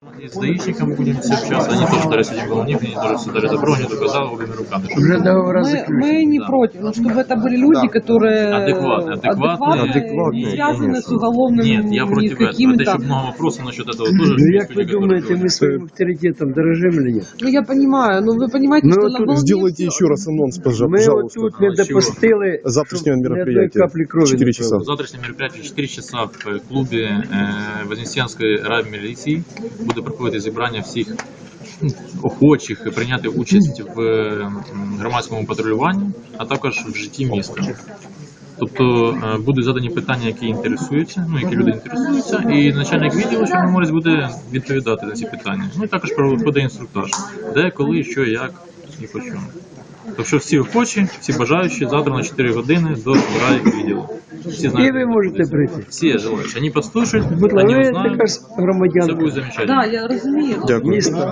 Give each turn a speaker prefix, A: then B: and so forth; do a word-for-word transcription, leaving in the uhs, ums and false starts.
A: И с даишником будем все общаться, они тоже дали один головник, они тоже все дали добро, они доказали обеими руками.
B: Уже договора
C: Мы,
B: заключены.
C: мы не
A: Да.
C: против, но чтобы это были люди,
B: Да.
C: которые
A: Адекватные, адекватные,
C: адекватные, не связаны с уголовным
A: Нет, я против этого.
C: какими-то.
A: Это еще много вопросов насчет этого тоже.
B: Ну
A: есть
B: как вы
A: люди, которые
B: думаете, мы
A: говорят.
B: своим авторитетом дорожим или нет?
C: Ну я понимаю, но вы понимаете,
B: Ну,
C: что
B: вот
C: на
B: тут
C: волне
D: Сделайте
C: всё-
D: еще раз анонс, пожа-
B: Мы
D: пожалуйста.
B: вот тут не
A: А, чего?
B: допустили
D: Завтрашнего
B: чтоб ни одной
D: мероприятия.
B: капли крови
D: Четыре
B: не
D: часа.
B: пролилось.
A: Завтрашнее мероприятие в чотири часа в клубі е, Вознесенської райміліції буде проходити зібрання всіх ну, охочих прийняти участь в е, громадському патрулюванні, а також в житті міста. Тобто е, будуть задані питання, які інтересуються, ну які люди інтересуються, і начальник відділу Чорноморець буде відповідати на ці питання. Ну і також проходить інструктаж, де, коли, що, як і по чому. Тобто всі охочі, всі бажаючі завтра на чотири години до райвідділу. Всі
B: І
A: знають,
B: ви можете прийти.
A: все желающие. Они послушают,
B: Будь
A: они
B: ласка, ви
A: узнают,
B: також
A: все
B: громадянка
A: будет замечательно.
C: Да, я розумію.
D: Дякую.
B: міста.